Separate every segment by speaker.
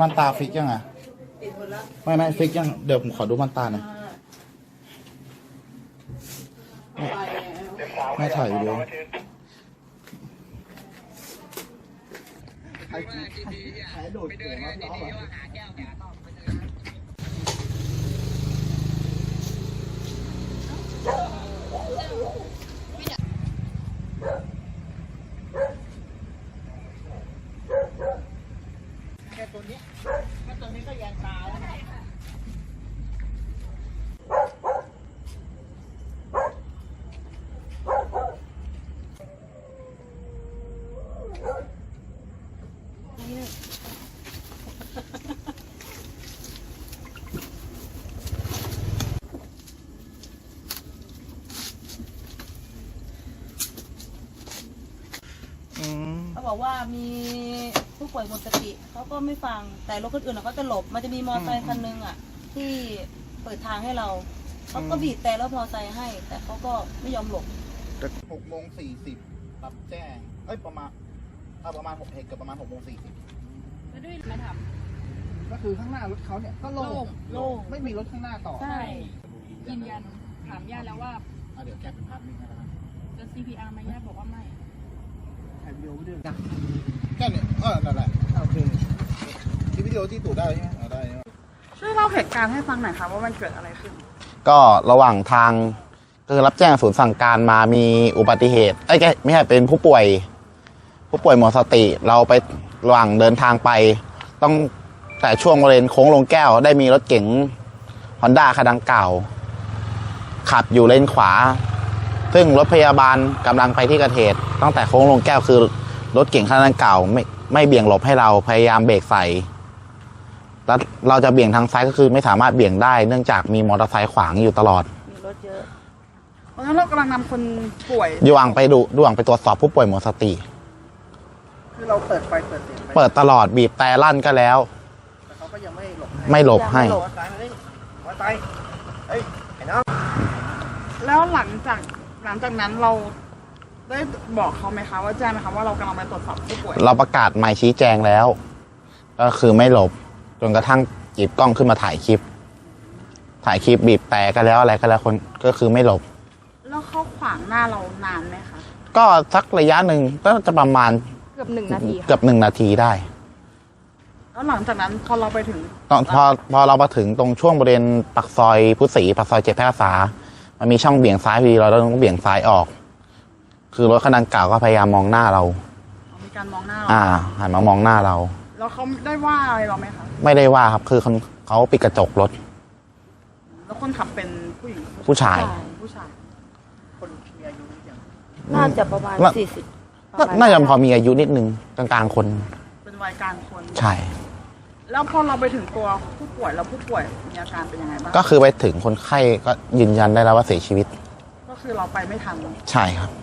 Speaker 1: มันตาฟิกยังอ่ะไม่ฟิกยังเดี๋ยวผมขอดูมันตาหน่อยไม่ถ่ายวิดีโอโดดเก่งมากน้องตัวนี้ก็แยงตาแล้วนะเขาบอกว่ามีผู้ป่วยหมดสติเขาก็ไม่ฟังแต่รถคนอื่นเขาจะหลบมันจะมีมอเตอร์ไซค์คันนึงอ่ะที่เปิดทางให้เราเขาก็บีบแต่รถมอเตอร์ไซค์ให้แต่เขาก็ไม่ยอมหลบ6:40รับแจ้งประมาณ6เหตุเกิดประมาณ6:40
Speaker 2: แล้วด้วยมาทำ
Speaker 1: ก็คือข้างหน้ารถเขาเนี่ยก็โล่งไม่มีรถข้างหน้าต่อ
Speaker 2: ใช่ยืนยันถามญาติแล้วว่า
Speaker 1: เดี๋ยวแกเป็นภาพนิ่งนะครับ
Speaker 2: จะ CPR ไหมญาติบอกว่าไม่
Speaker 1: ถ่ายวิดีโอไว้ด้วยแค่นี้นั่นแหละโอเคที่วิดีโอที่ตู่ได้ใช่ไหมได้
Speaker 2: ช่วยเล่าเหตุการณ์ให้ฟังหน่อยค่ะว่ามันเกิดอะไรขึ้น
Speaker 3: ก็ระหว่างทางคือรับแจ้งศูนย์สั่งการมามีอุบัติเหตุไม่ใช่เป็นผู้ป่วยหมดสติเราไประหว่างเดินทางไปต้องแต่ช่วงบริเวณโค้งลงแก้วได้มีรถเก๋ง Honda คันดังกล่าวขับอยู่เลนขวาซึ่งรถพยาบาลกำลังไปที่เกิดเหตุตั้งแต่โค้งลงแก้วคือรถเก๋งคันดังกล่าวไม่เบี่ยงหลบให้เราพยายามเบรกใส่แล้วเราจะเบี่ยงทางซ้ายก็คือไม่สามารถเบี่ยงได้เนื่องจากมีมอเตอร์ไซค์ขวางอยู่ตลอด
Speaker 2: มีรถเยอะเพราะฉะนั้นเรากำลังนำคนป่วย
Speaker 3: ด่วนไปตรวจสอบผู้ป่วยหมดสติ
Speaker 1: คือเราเปิดไฟเปิดเสียง
Speaker 3: เปิดตลอดบีบแต่ลั่นก็แล้ว
Speaker 1: แต่เขาก็ยังไม่หลบ
Speaker 3: ให้
Speaker 2: แล้วหลังจากนั้นเราได้บอกเขาไหมคะว่าแจ้งไหมคะว่าเรากำลังไปตรวจสอบผู้ป่วย
Speaker 3: เราประกาศหมายชี้แจงแล้วก็คือไม่หลบจนกระทั่งหยิบกล้องขึ้นมาถ่ายคลิปบีบแต่ก็แล้วอะไรก็แล้วคนก็คือไม่หลบ
Speaker 2: แล้วเขาขวางหน้าเรานานไหมคะ
Speaker 3: ก็สักระยะหนึ่งก็จะประมาณ
Speaker 2: เกือบ1 นาที
Speaker 3: เกือบ1 นาทีได้
Speaker 2: แล้วหลังจากนั้นพอเราไปถึง
Speaker 3: พอเรามาถึงตรงช่วงบริเวณปากซอยพุทธศรีปากซอย7 แพร่กษามันมีช่องเบี่ยงซ้ายพอดีเราต้องเบี่ยงซ้ายออกคือรถคันดังกล่าวก็พยายามมองหน้าเรา
Speaker 2: มีการมองหน้า
Speaker 3: หันมามองหน้าเรา
Speaker 2: แล้วเขาได้ว่าอะไรเราไหมคะ
Speaker 3: ไม่ได้ว่าครับคือเขาปิดกระจกรถ
Speaker 2: แล้วคนขับเป็นผู้หญิง
Speaker 3: ผู้ชาย
Speaker 1: คนมีอายุอย่าง
Speaker 2: น่าจะประมาณ40
Speaker 3: น่าจะพอมีอายุนิดนึงกลางๆคน
Speaker 2: เป็นวัยกลางคน
Speaker 3: ใช่
Speaker 2: แล้วพอเราไปถึงตัวผู้ป่วยแล้วผู้ป่วยมีอาการเป็นยังไงบ้าง
Speaker 3: ก็คือไปถึงคนไข้ก็ยืนยันได้แล้วว่าเสียชีวิต
Speaker 2: ก็คือเราไปไม่ทัน
Speaker 3: ใช่ครับ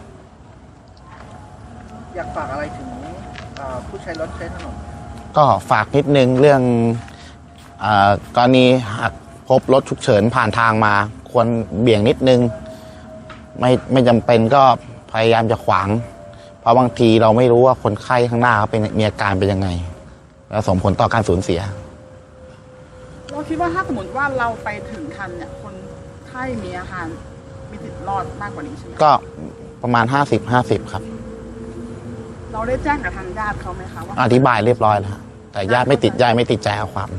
Speaker 1: อยากฝากอะไรถึงผู้ใช้รถใช้ถนน
Speaker 3: ก็ฝากนิดนึงเรื่องกรณีหากพบรถฉุกเฉินผ่านทางมาควรเบี่ยงนิดนึงไม่จำเป็นก็พยายามจะขวางเพราะบางทีเราไม่รู้ว่าคนไข้ข้างหน้าเขามีอาการเป็นยังไงแล้วส่งผลต่อการสูญเสีย
Speaker 2: เราคิดว่าถ้าสมมติว่าเราไปถึงทันเนี่ยคนไข้มีอาการมีสิทธิ์รอดมากกว่านี้ใช่ไหม
Speaker 3: ก็ประมาณ50-50ครับ
Speaker 2: เราได้แจ้งกับทางญาติเขาไหมคะว่า
Speaker 3: อธิบายเรียบร้อยแล้วแต่ญาติไม่ติดใจเอาความ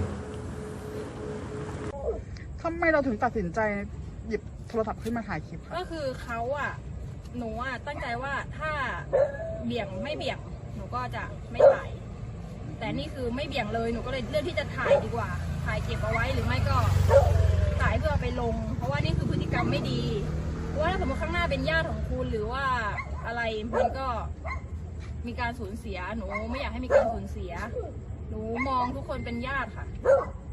Speaker 2: ทำไมเราถึงตัดสินใจหยิบโทรศัพท์ขึ้นมาถ่ายคลิป
Speaker 4: ก็คือเขาหนูตั้งใจว่าถ้าเบี่ยงไม่เบี่ยงหนูก็จะไม่ถ่ายแต่นี่คือไม่เบี่ยงเลยหนูก็เลยเลือกที่จะถ่ายดีกว่าถ่ายเก็บเอาไว้หรือไม่ก็ถ่ายเพื่อไปลงเพราะว่านี่คือพฤติกรรมไม่ดีเพราะว่าถ้าสมมติข้างหน้าเป็นญาติของคุณหรือว่าอะไรมันก็มีการสูญเสียหนูไม่อยากให้มีการสูญเสียหนูมองทุกคนเป็นญาติค่ะ